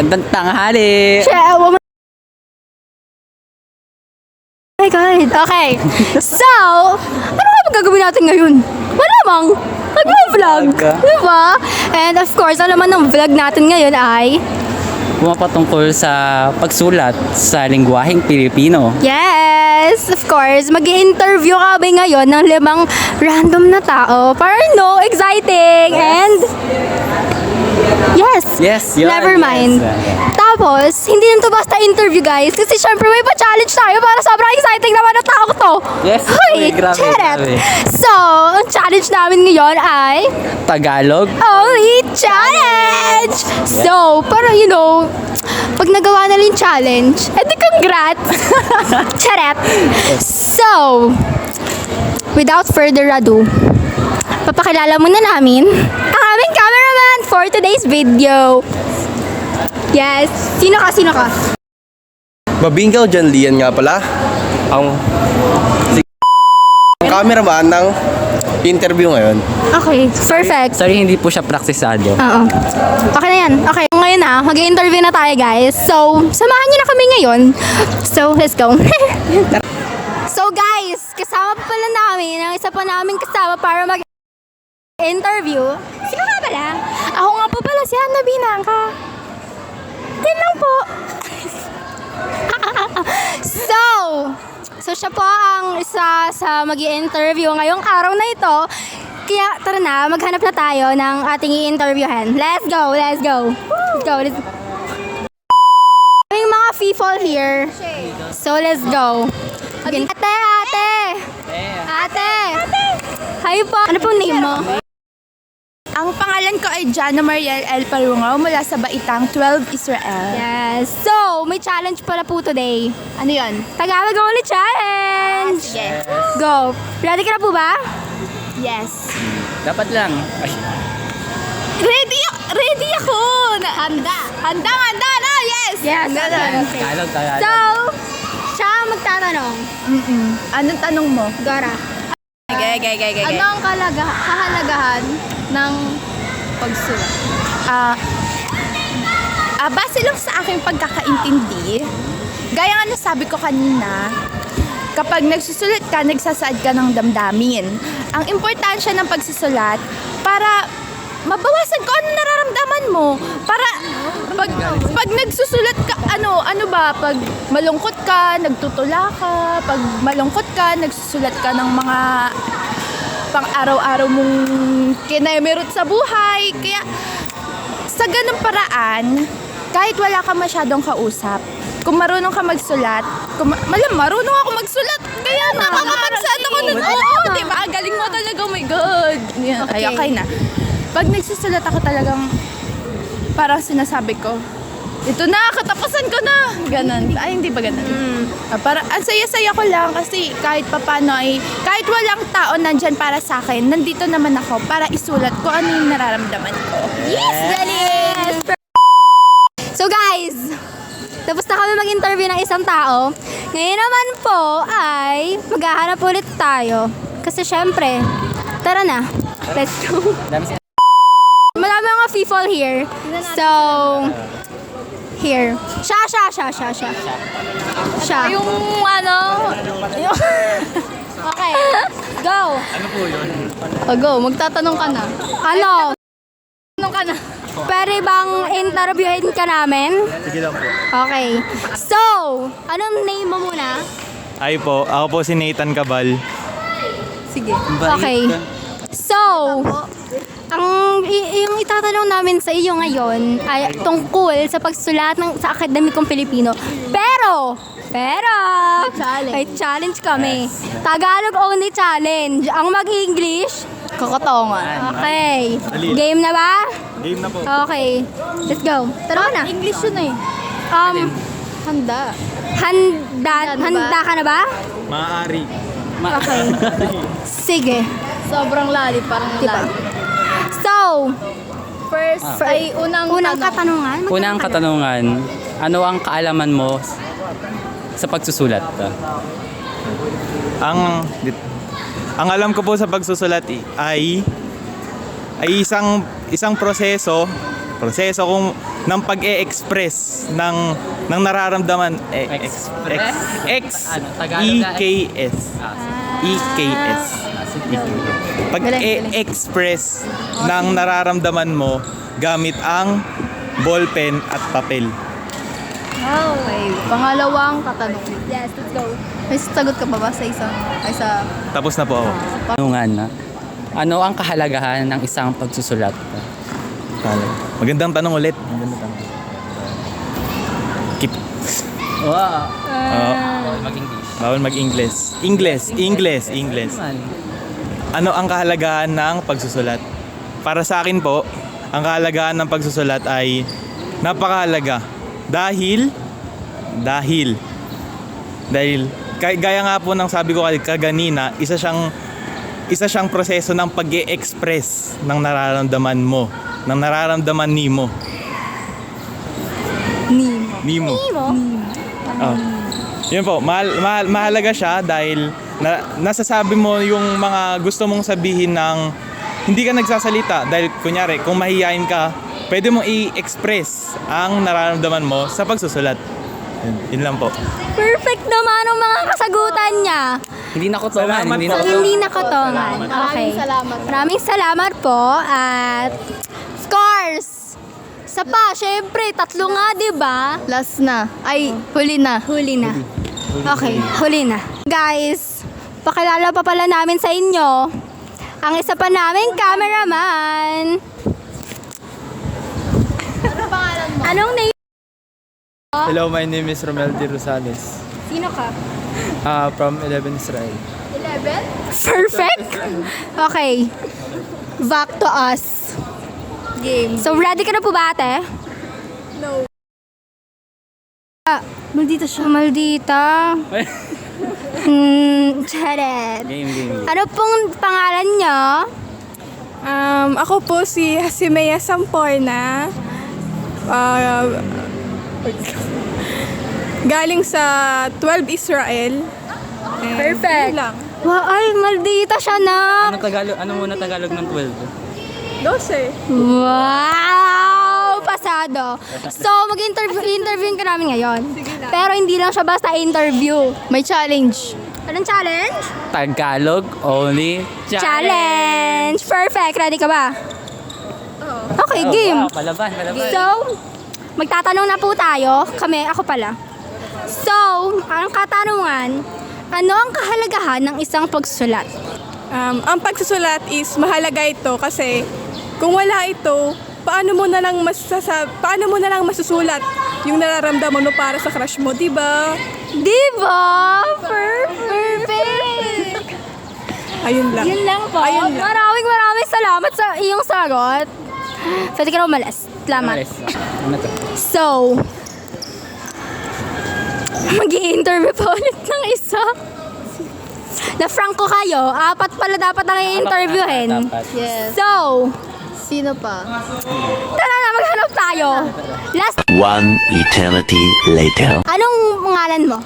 Magandang tanghali! Oh my God. Okay. So, ano nga gagawin natin ngayon? Malamang, mag-vlog. Diba? And of course, ang laman ng vlog natin ngayon ay... Pumapatungkol sa pagsulat sa lingwaheng Pilipino. Yes, of course. Mag-i-interview kami ngayon ng 5 random na tao. Para exciting. And... Yes. Yes, yun. Never mind. Yes. Tapos, hindi nito basta interview guys. Kasi syempre may pa-challenge tayo para sobrang exciting naman ang tao to. Yes. Hoy, Uy, grabe, charet. grabe. So, ang challenge namin ngayon ay Tagalog. Only Challenge! So, para pag nagawa na rin challenge, edi congrats! Charet! So, without further ado, papakilala muna namin ang aming cameraman for today's video. Yes. Sino ka? Sino ka? Babingaw John Lian nga pala. Ang cameraman ng interview ngayon. Okay. Perfect. Sorry, hindi po siya praktisado. Oo. Okay na yan. Okay. Ngayon na, mag-i-interview na tayo guys. So, samahan niyo na kami ngayon. So, let's go. So guys, kasama pa pala namin ang isa pa naming kasama para mag-interview. Sino nga pala? Ako nga po pala si Hannah Binangka. Yan lang po. So siya po ang isa sa mag-i-interview ngayong araw na ito. Kaya tara na, maghanap na tayo ng ating i-interviewhan. Let's go, let's go. Let's go, let's go. Kaming mga people here. So let's go. Okay. Ate! Hi po. Ano pong name mo? Ang pangalan ko ay Jana Mariel L. Palungaw mula sa Baitang 12 Israel. Yes. So, may challenge pala po today. Ano yun? Tagalog Only Challenge! Yes. Go! Ready ka na po ba? Yes. Dapat lang. Ay, Ready ako! Handa na! Yes! Yes. Okay. Tagalog. So, siya ang magtatanong. Anong tanong mo? Gora. Ano ang kahalagahan ng pagsulat? Base lang sa aking pagkakaintindi, gaya nga nasabi ko kanina, kapag nagsusulat ka, nagsasaad ka ng damdamin. Ang importansya ng pagsusulat para mabawasan ko ano nararamdaman mo. Para pag nagsusulat ka, pag malungkot ka, nagtutula ka, pag malungkot ka, nagsusulat ka ng mga pang-araw-araw mong kinemerot sa buhay. Kaya sa ganung paraan, kahit wala ka masyadong kausap, kung marunong ka magsulat, marunong ako magsulat, kaya nakakapagsulat ako nun. Oo, diba? Galing mo talaga, oh my God. Yeah, okay na. Pag nagsusulat ako talagang parang sinasabi ko, ito na, katapusan ko na. Ganon. Ay, hindi ba ganon? Parang ang saya-saya ko lang kasi kahit papano ay, kahit walang tao nandyan para sa akin, nandito naman ako para isulat ko ano yung nararamdaman ko. Yes! Galing! So guys, tapos na kami mag-interview ng isang tao. Ngayon naman po ay maghahanap ulit tayo. Kasi syempre, tara na. Let's go. Marami mga people here. So, here. Siya. Yung Okay. Go. ano po yun? go, magtatanong ka na. Ano? Tanong ka na. Pwede bang interviewin ka namin? Sige lang po. Okay. So, anong name mo muna? Ay po, ako po si Nathan Cabal. Sige. Okay. So, yung itatanong namin sa iyo ngayon ay tungkol sa pagsulat sa akademikong Pilipino. Pero, may challenge kami. Tagalog only challenge. Ang mag-English, Kokotongan. okay. Game na ba? Game na po. Okay. Let's go. Tara na. English yun eh. Handa. Handa ka na ba? Maaari. Okay. Sige. Sobrang lalim, parang Diba? lalim. So, First, ay unang katanungan. Unang katanungan, ano ang kaalaman mo sa pagsusulat? Ang alam ko po sa pagsusulat ay isang proseso proseso ng pag-e-express ng nararamdaman Ano, Tagalog na- EKS. EKS. Pag-e-express ng nararamdaman mo gamit ang ballpen at papel. Okay. Pangalawang katanungan. Yes, let's go. May sagot ka pa ba sa isang... Ay, sa... Tapos na po ako. Tanungan na. Ano ang kahalagahan ng isang pagsusulat? Magandang tanong ulit. Magandang tanong. Keep. Wow. Oo. Mag-English. Bawal mag-English. English. Ano ang kahalagahan ng pagsusulat? Para sa akin po, ang kahalagahan ng pagsusulat ay napakahalaga. Dahil gaya nga po ng sabi ko kaganina, isa siyang proseso ng pag-e-express ng nararamdaman mo, ng nararamdaman Nimo. Oh. Yun po, mahalaga siya dahil nasasabi mo yung mga gusto mong sabihin ng hindi ka nagsasalita. Dahil kunyari, kung mahihain ka, pwede mong i-express ang nararamdaman mo sa pagsusulat. Yun lang po. Perfect naman ang mga kasagutan niya. Hindi na kutongan. Salamat Hindi po. na kutongan. Hindi nakatongan. Okay. Maraming salamat po at scores! Isa pa, syempre, 3 nga, di ba? Last na. Ay, huli na. Huli na. Okay, huli na. Guys, pakilala pa pala namin sa inyo ang isa pa naming cameraman. Ano pangalan mo? Anong name? Hello, my name is Romel de Rosales. Sino ka? From 11 Israel. 11? Perfect! Okay. Back to us. Game. So, ready ka na po ba, ate? No. Maldita siya. Maldita. Charet. Game. Ano pong pangalan niyo? Ako po si Hasimea Samporna. Galing sa 12 Israel. And Perfect. yun lang. Wow, ay, maldita siya na. Ano muna Tagalog ng 12? 12. Wow! Pasado. So, mag-interview ka namin ngayon. Pero hindi lang siya basta interview. May challenge. Anong challenge? Tagalog only Challenge! Perfect. Ready ka ba? Okay, Oh, game. wow, palaban. So, magtatanong na po tayo. Ako pala. So, ang katanungan, ano ang kahalagahan ng isang pagsusulat? Ang pagsusulat is mahalaga ito kasi kung wala ito, paano mo na lang masusulat yung nararamdaman mo para sa crush mo, di ba? Diba? Perfect! Ayun lang. Yun lang po. Ayun lang. Maraming salamat sa iyong sagot. Pwede ka na umalis. Salamat. Ano to? So, mag-i-interview pa ulit ng isa. Na franco kayo, 4 pala dapat ang i-interviewin. Dapat. Yes. So, Sino pa? tara na, maghanap tayo. Last, One eternity later. anong pangalan mo?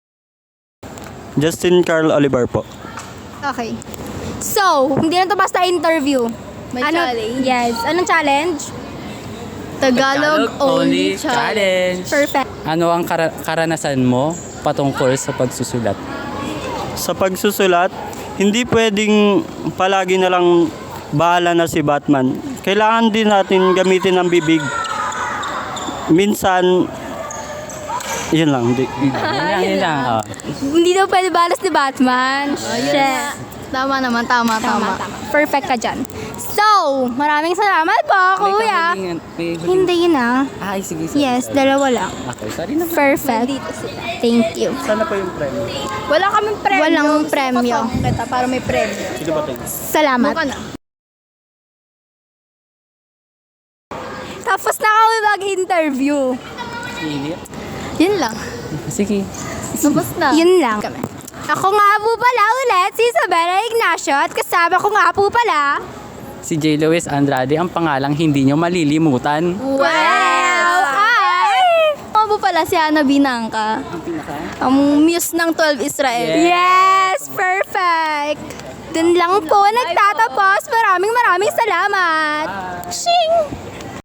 Justin Carl Oliver po. Okay. So, hindi na to basta interview. May challenge? Yes. Anong challenge? Tagalog only challenge. Perfect. Ano ang karanasan mo patungkol sa pagsusulat? Sa pagsusulat, hindi pwedeng palagi na lang bahala na si Batman. Kailangan din natin gamitin ang bibig. Minsan, yun lang. Yun lang. Oh. Hindi daw pwede balas ni Batman. Shit. Tama naman, tama. Perfect ka dyan. So, maraming salamat po, kuya. Hindi na. Ay, sige. Yes, dalawa lang. Okay, sorry na. Perfect. Thank you. Sana po yung premyo. Wala kaming premyo. Walang Gusto ko premyo. tanong kita para may premyo. Sino ba tayo? Salamat. Buka na. Tapos na kami mag-interview. Yun lang. Sige. Tapos na. Yun lang. Ako nga po pala ulit, si Isabella Ignacio, at kasama ko nga po pala. Si J. Luis Andrade, ang pangalang hindi nyo malilimutan. Wow! Ay! Ako po pala si Ana Binangka. Ang muse ng 12 Israel. Yes! Perfect! Dun lang po nagtatapos. Maraming salamat. Shing!